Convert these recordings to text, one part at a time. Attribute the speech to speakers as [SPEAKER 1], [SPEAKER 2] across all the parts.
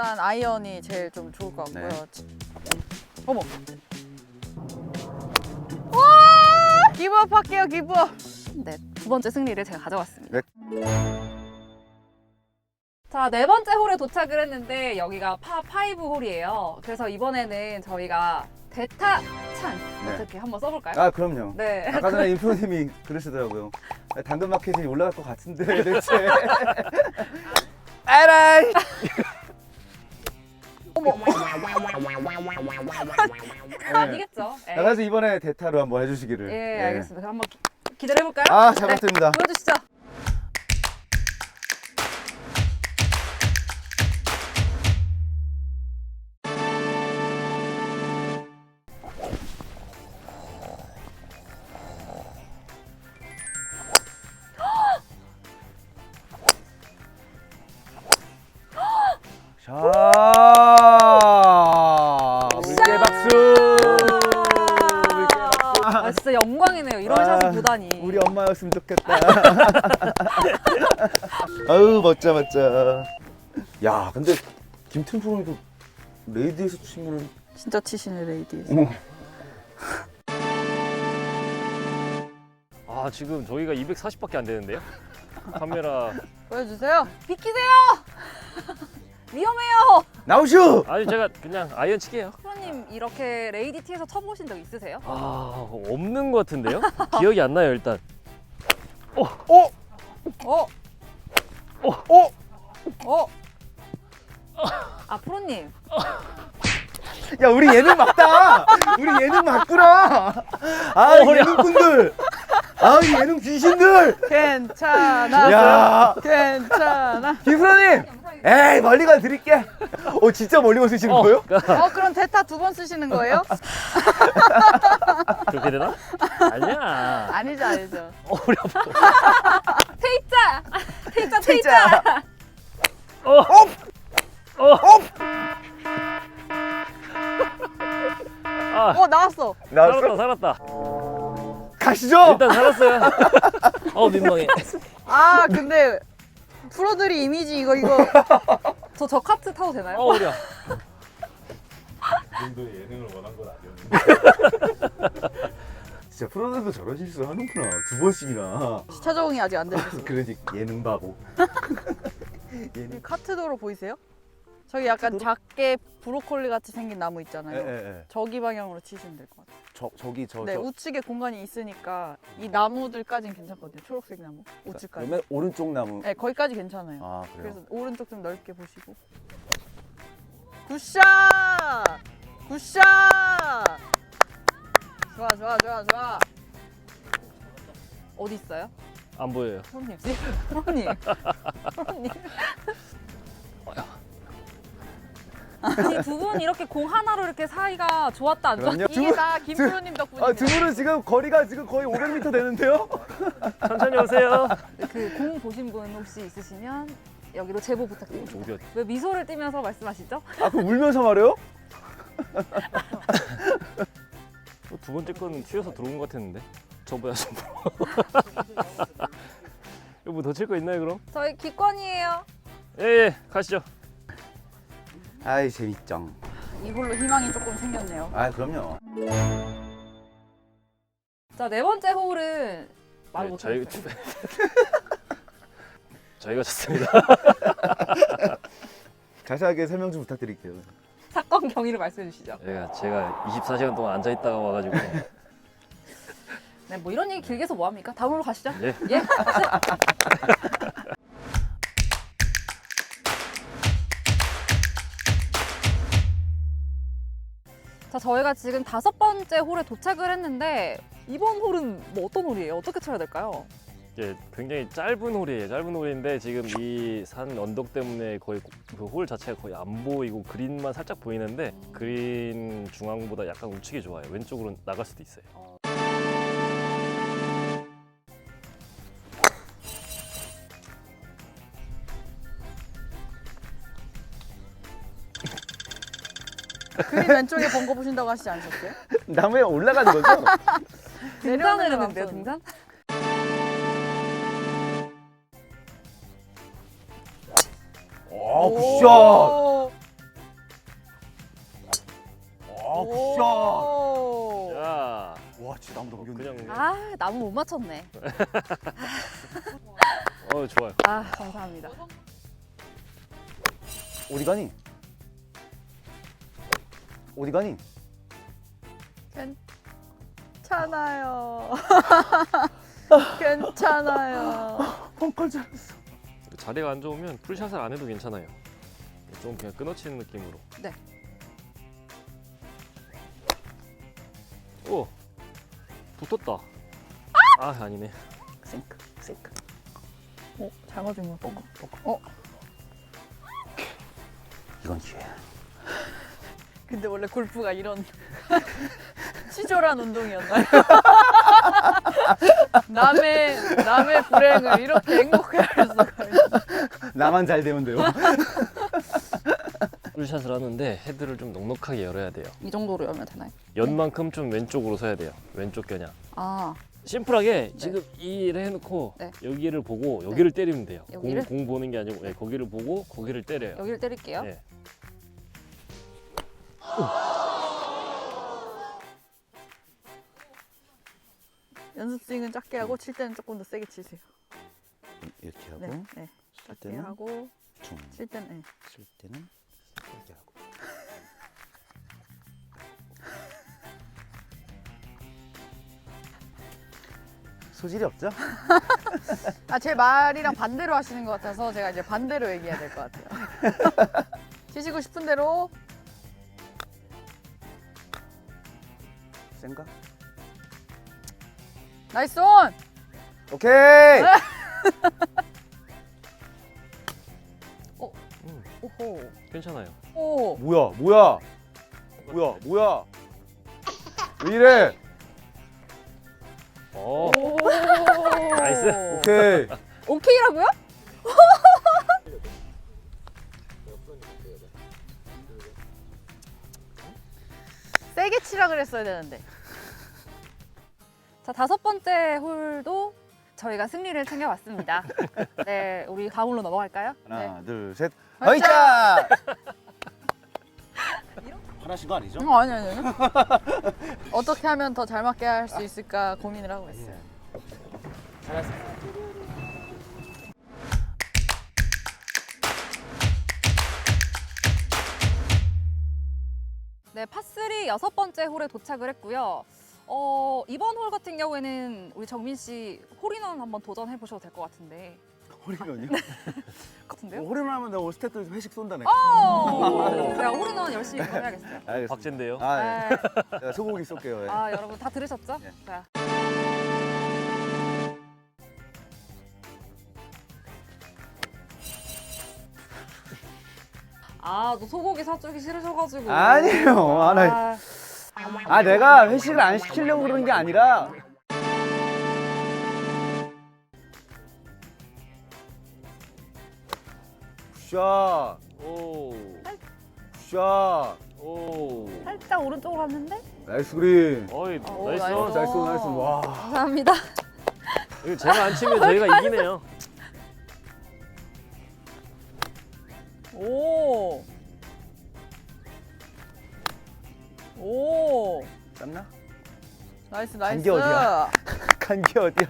[SPEAKER 1] 일단 아이언이 제일 좀 좋을 것 같고요.
[SPEAKER 2] 네.
[SPEAKER 1] 어머. 와! 기브업 할게요, 기브업. 네, 두 번째 승리를 제가 가져왔습니다.
[SPEAKER 2] 네.
[SPEAKER 1] 자, 네 번째 홀에 도착을 했는데 여기가 파5 홀이에요. 그래서 이번에는 저희가 대타 찬스
[SPEAKER 2] 네.
[SPEAKER 1] 어떻게 한번 써볼까요?
[SPEAKER 2] 아 그럼요.
[SPEAKER 1] 네.
[SPEAKER 2] 아까 전에 인프로님이 그러시더라고요. 당근마켓이 올라갈 것 같은데 대체. 에라이.
[SPEAKER 1] 어머. 아니겠죠? 예.
[SPEAKER 2] 그래서 이번에 대타로 한번 해주시기를.
[SPEAKER 1] 예,
[SPEAKER 2] 네.
[SPEAKER 1] 알겠습니다. 그럼 한번 기다려볼까요?
[SPEAKER 2] 아, 잘 부탁드립니다.
[SPEAKER 1] 보여주시죠.
[SPEAKER 2] 자, 물개 박수. 물개 박수.
[SPEAKER 1] 아, 진짜 영광이네요. 이런 샷을 보다니.
[SPEAKER 2] 우리 엄마였으면 좋겠다. 아유 멋져 멋져. 야 근데 김태훈 프로님도 레이디에서 치면은
[SPEAKER 1] 진짜 치시네, 레이디에서.
[SPEAKER 3] 아 지금 저희가 240밖에 안 되는데요? 카메라
[SPEAKER 1] 보여주세요. 비키세요. 위험해요.
[SPEAKER 2] 나오슈.
[SPEAKER 3] 아니 제가 그냥 아이언 칠게요.
[SPEAKER 1] 프로님 이렇게 레이디 티에서 쳐보신 적 있으세요?
[SPEAKER 3] 아 없는 것 같은데요? 기억이 안 나요 일단.
[SPEAKER 2] 어?
[SPEAKER 1] 어?
[SPEAKER 2] 어?
[SPEAKER 1] 어? 아, 프로님.
[SPEAKER 2] 야 우리 예능 맞다. 우리 예능 맞구나. 아 예능꾼들. 아 예능 귀신들.
[SPEAKER 1] 괜찮아.
[SPEAKER 2] 야
[SPEAKER 1] 괜찮아.
[SPEAKER 2] 김프로님. 에이 멀리 가 드릴게. 진짜 멀리 가 쓰시는 거예요?
[SPEAKER 1] 그럼 대타 두 번 쓰시는 거예요?
[SPEAKER 3] 그렇게 되나? 아니야.
[SPEAKER 1] 아니죠, 아니죠.
[SPEAKER 3] 어려워.
[SPEAKER 1] 테이짜! 테이짜, 테이짜!
[SPEAKER 3] 아
[SPEAKER 1] 나왔어.
[SPEAKER 3] 살았다 살았다.
[SPEAKER 2] 가시죠.
[SPEAKER 3] 일단 살았어요. 민망해.
[SPEAKER 1] 아, 근데 프로들이 이미지 이거. 저 카트 타도 되나요?
[SPEAKER 3] 어려.
[SPEAKER 4] 그 정도의 예능을 원한 건 아니었는데.
[SPEAKER 2] 진짜 프로들도 저런 실수 하는구나. 두 번씩이나.
[SPEAKER 1] 시차 적응이 아직 안 되셨어요.
[SPEAKER 2] 그러니까 예능 바보.
[SPEAKER 1] 이 카트도로 보이세요? 저기 약간 작게 브로콜리 같이 생긴 나무 있잖아요.
[SPEAKER 2] 예.
[SPEAKER 1] 저기 방향으로 치시면 될 것 같아요.
[SPEAKER 2] 저기
[SPEAKER 1] 네, 우측에 공간이 있으니까 이 나무들까지는 괜찮거든요. 초록색 나무, 우측까지.
[SPEAKER 2] 그러면 오른쪽 나무.
[SPEAKER 1] 네, 거기까지 괜찮아요.
[SPEAKER 2] 아 그래요.
[SPEAKER 1] 그래서 오른쪽 좀 넓게 보시고. 굿샷! 굿샷! 좋아, 좋아, 좋아, 좋아. 어디 있어요?
[SPEAKER 3] 안 보여요.
[SPEAKER 1] 프로님. 프로님. 프로님. 아니, 두 분 이렇게 공 하나로 이렇게 사이가 좋았다 안 좋았다.
[SPEAKER 2] 그럼요.
[SPEAKER 1] 이게 다 김프로님 덕분입니다.
[SPEAKER 2] 두 분은 지금 거리가 지금 거의 500m 되는데요?
[SPEAKER 3] 천천히 오세요.
[SPEAKER 1] 그 공 보신 분 혹시 있으시면 여기로 제보 부탁드립니다.
[SPEAKER 3] 어디야?
[SPEAKER 1] 왜 미소를 띠면서 말씀하시죠?
[SPEAKER 2] 아 그럼 울면서 말해요?
[SPEAKER 3] 두 번째 거는 튀어서 들어온 것 같았는데. 저보다 좀. 이거 뭐 더 칠 거 있나요 그럼?
[SPEAKER 1] 저희 기권이에요.
[SPEAKER 3] 예, 가시죠.
[SPEAKER 2] 아이 재밌죠.
[SPEAKER 1] 이걸로 희망이 조금 생겼네요.
[SPEAKER 2] 아 그럼요.
[SPEAKER 1] 자, 네 번째 홀은 말
[SPEAKER 3] 네,
[SPEAKER 1] 못하겠어요.
[SPEAKER 3] 저희가 졌습니다.
[SPEAKER 2] 자세하게 설명 좀 부탁드릴게요.
[SPEAKER 1] 사건 경위를 말씀해 주시죠.
[SPEAKER 3] 제가 24시간 동안 앉아 있다가 와가지고.
[SPEAKER 1] 네, 뭐 이런 얘기 길게 해서 뭐 합니까? 다음으로 가시죠.
[SPEAKER 3] 예.
[SPEAKER 1] 예. 자, 저희가 지금 다섯 번째 홀에 도착을 했는데 이번 홀은 뭐 어떤 홀이에요? 어떻게 쳐야 될까요?
[SPEAKER 3] 이게 굉장히 짧은 홀이에요. 짧은 홀인데 지금 이 산 언덕 때문에 거의 그 홀 자체가 거의 안 보이고 그린만 살짝 보이는데 그린 중앙보다 약간 우측이 좋아요. 왼쪽으로 나갈 수도 있어요.
[SPEAKER 1] 그린 왼쪽에 번거 보신다고 하시지 않으셨어요?
[SPEAKER 2] 나무에 올라가는 거죠?
[SPEAKER 1] 등산을 했는데요, 등산?
[SPEAKER 2] 와 굿샷. 굿샷.
[SPEAKER 1] 오.
[SPEAKER 3] 야,
[SPEAKER 2] 와, 진짜 나무 넘겼네.
[SPEAKER 3] 그냥
[SPEAKER 1] 아, 나무 못 맞췄네.
[SPEAKER 3] 좋아요.
[SPEAKER 1] 아, 감사합니다.
[SPEAKER 2] 어디 가니? 어디 가니?
[SPEAKER 1] 괜찮아요. 괜찮아요.
[SPEAKER 2] 펑컬 잘했어.
[SPEAKER 3] 자리가 안 좋으면 풀샷을 안 해도 괜찮아요. 좀 그냥 끊어치는 느낌으로.
[SPEAKER 1] 네.
[SPEAKER 3] 오, 붙었다. 아, 아니네.
[SPEAKER 2] 싱크, 싱크.
[SPEAKER 1] 잘 맞은 거.
[SPEAKER 2] 이건 기회야.
[SPEAKER 1] 근데 원래 골프가 이런 치졸한 운동이었나요? 남의 불행을 이렇게 행복해 할 수가 있어.
[SPEAKER 2] 나만 잘 되면 돼요.
[SPEAKER 3] 풀샷을 하는데 헤드를 좀 넉넉하게 열어야 돼요.
[SPEAKER 1] 이 정도로 열면 되나요?
[SPEAKER 3] 연만큼 좀 왼쪽으로 서야 돼요. 왼쪽 겨냥.
[SPEAKER 1] 아,
[SPEAKER 3] 심플하게 지금 이를 해놓고
[SPEAKER 1] 네.
[SPEAKER 3] 여기를 보고 여기를 때리면 돼요.
[SPEAKER 1] 여기를?
[SPEAKER 3] 공 보는 게 아니고 네, 거기를 보고 거기를 때려요.
[SPEAKER 1] 여기를 때릴게요.
[SPEAKER 3] 네.
[SPEAKER 1] 연습 스윙은 작게 하고 칠 때는 조금 더 세게 치세요.
[SPEAKER 2] 이렇게 하고
[SPEAKER 1] 네, 네.
[SPEAKER 2] 칠
[SPEAKER 1] 작게
[SPEAKER 2] 때는
[SPEAKER 1] 하고
[SPEAKER 2] 중,
[SPEAKER 1] 칠 때는 네.
[SPEAKER 2] 칠 때는 이렇게 하고. 소질이 없죠?
[SPEAKER 1] 제 말이랑 반대로 하시는 것 같아서 제가 이제 반대로 얘기해야 될 것 같아요. 치시고 싶은 대로.
[SPEAKER 2] 센가?
[SPEAKER 1] 나이스 온!
[SPEAKER 2] 오케이.
[SPEAKER 1] 오호.
[SPEAKER 3] 괜찮아요.
[SPEAKER 1] 오.
[SPEAKER 2] 뭐야? 왜 이래?
[SPEAKER 3] 오,
[SPEAKER 1] 나이스.
[SPEAKER 2] 오케이.
[SPEAKER 1] 오케이라고요? 세게 치라 그랬어야 되는데. 자, 5번째 홀도 저희가 승리를 챙겨왔습니다. 네, 우리 다음 홀로 넘어갈까요? 네.
[SPEAKER 2] 하나, 둘, 셋.
[SPEAKER 1] 화이자!
[SPEAKER 2] 화나신 거 아니죠?
[SPEAKER 1] 아니. 어떻게 하면 더 잘 맞게 할 수 있을까 고민을 하고 있어요.
[SPEAKER 2] 잘했어.
[SPEAKER 1] 네, 파3 6번째 홀에 도착을 했고요. 이번 홀 같은 경우에는 우리 정민 씨 홀인원 한번 도전해 보셔도 될 것 같은데.
[SPEAKER 2] 홀인원이요?
[SPEAKER 1] 같은데요?
[SPEAKER 2] 홀인원 하면 내가 스태프들 회식 쏜다네.
[SPEAKER 1] 제가 홀인원 열심히 해야겠어요.
[SPEAKER 2] 알겠습니다.
[SPEAKER 3] 박제인데요.
[SPEAKER 2] 아,
[SPEAKER 1] 네.
[SPEAKER 2] 예. 제가 소고기 쏠게요. 예.
[SPEAKER 1] 아, 여러분 다 들으셨죠?
[SPEAKER 2] 네.
[SPEAKER 1] 자. 아, 너 소고기 사주기 싫으셔가지고.
[SPEAKER 2] 아니에요. 내가 회식을 안 시키려고 그러는 게 아니라 굿샷,
[SPEAKER 3] 오,
[SPEAKER 2] 굿샷,
[SPEAKER 3] 오.
[SPEAKER 1] 살짝 오른쪽으로 갔는데?
[SPEAKER 2] 나이스 그린.
[SPEAKER 3] 어이,
[SPEAKER 1] 오,
[SPEAKER 3] 나이스.
[SPEAKER 1] 나이스.
[SPEAKER 2] 나이스. 와.
[SPEAKER 1] 감사합니다.
[SPEAKER 3] 이거 제가 안 치면 저희가 이기네요.
[SPEAKER 1] 오. 오.
[SPEAKER 2] 짠나?
[SPEAKER 1] 나이스.
[SPEAKER 2] 간게 어디야? 간 게 어디야?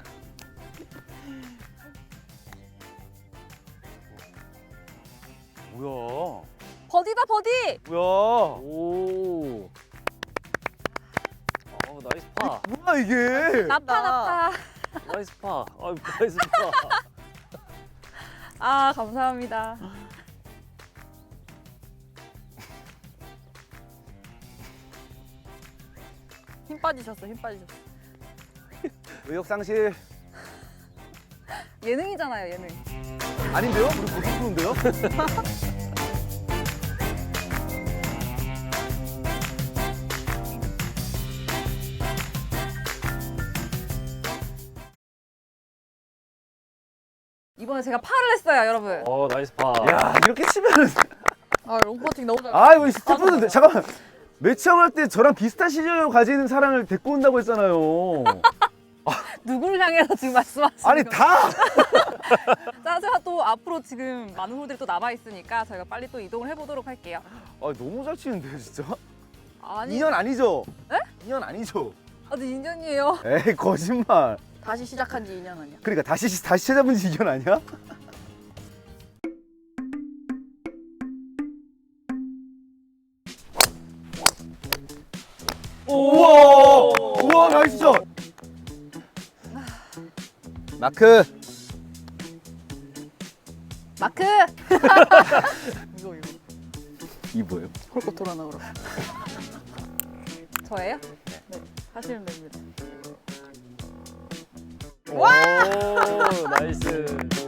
[SPEAKER 2] 뭐야?
[SPEAKER 1] 버디다, 버디!
[SPEAKER 2] 뭐야?
[SPEAKER 3] 오. 나이스 파.
[SPEAKER 2] 뭐야 이게?
[SPEAKER 1] 나파.
[SPEAKER 3] 나이스 파. 나이스 파.
[SPEAKER 1] 아, 감사합니다. 힘 빠지셨어.
[SPEAKER 2] 의욕 상실
[SPEAKER 1] 예능이잖아요, 예능.
[SPEAKER 2] 아닌데요? 우리 고속프로인데요?
[SPEAKER 1] 이번에 제가 파를 했어요, 여러분.
[SPEAKER 3] 나이스 파.
[SPEAKER 2] 야 이렇게 치면은
[SPEAKER 1] 롱퍼팅 너무 잘.
[SPEAKER 2] 이거 스태프들 잠깐만 매치형 때 저랑 비슷한 시절을 가지는 사람을 데리고 온다고 했잖아요.
[SPEAKER 1] 누굴 향해서 지금 말씀하시는
[SPEAKER 2] 아니
[SPEAKER 1] 거예요?
[SPEAKER 2] 다.
[SPEAKER 1] 자, 제가 또 앞으로 지금 많은 홀들이 또 남아 있으니까 저희가 빨리 또 이동을 해보도록 할게요.
[SPEAKER 2] 너무 잘 치는데 진짜.
[SPEAKER 1] 아니,
[SPEAKER 2] 2년 아니죠?
[SPEAKER 1] 에?
[SPEAKER 2] 2년 아니죠?
[SPEAKER 1] 아직 2년이에요.
[SPEAKER 2] 에이 거짓말.
[SPEAKER 5] 다시 시작한 지 2년 아니야?
[SPEAKER 2] 그러니까 다시 찾아본 지 2년 아니야? 우와! 우와 나이스 샷! 마크!
[SPEAKER 1] 마크!
[SPEAKER 5] 이거
[SPEAKER 2] 이 뭐예요?
[SPEAKER 5] 홀꽃 돌아 나오라.
[SPEAKER 1] 저예요?
[SPEAKER 5] 하시면 됩니다.
[SPEAKER 3] 오, 나이스.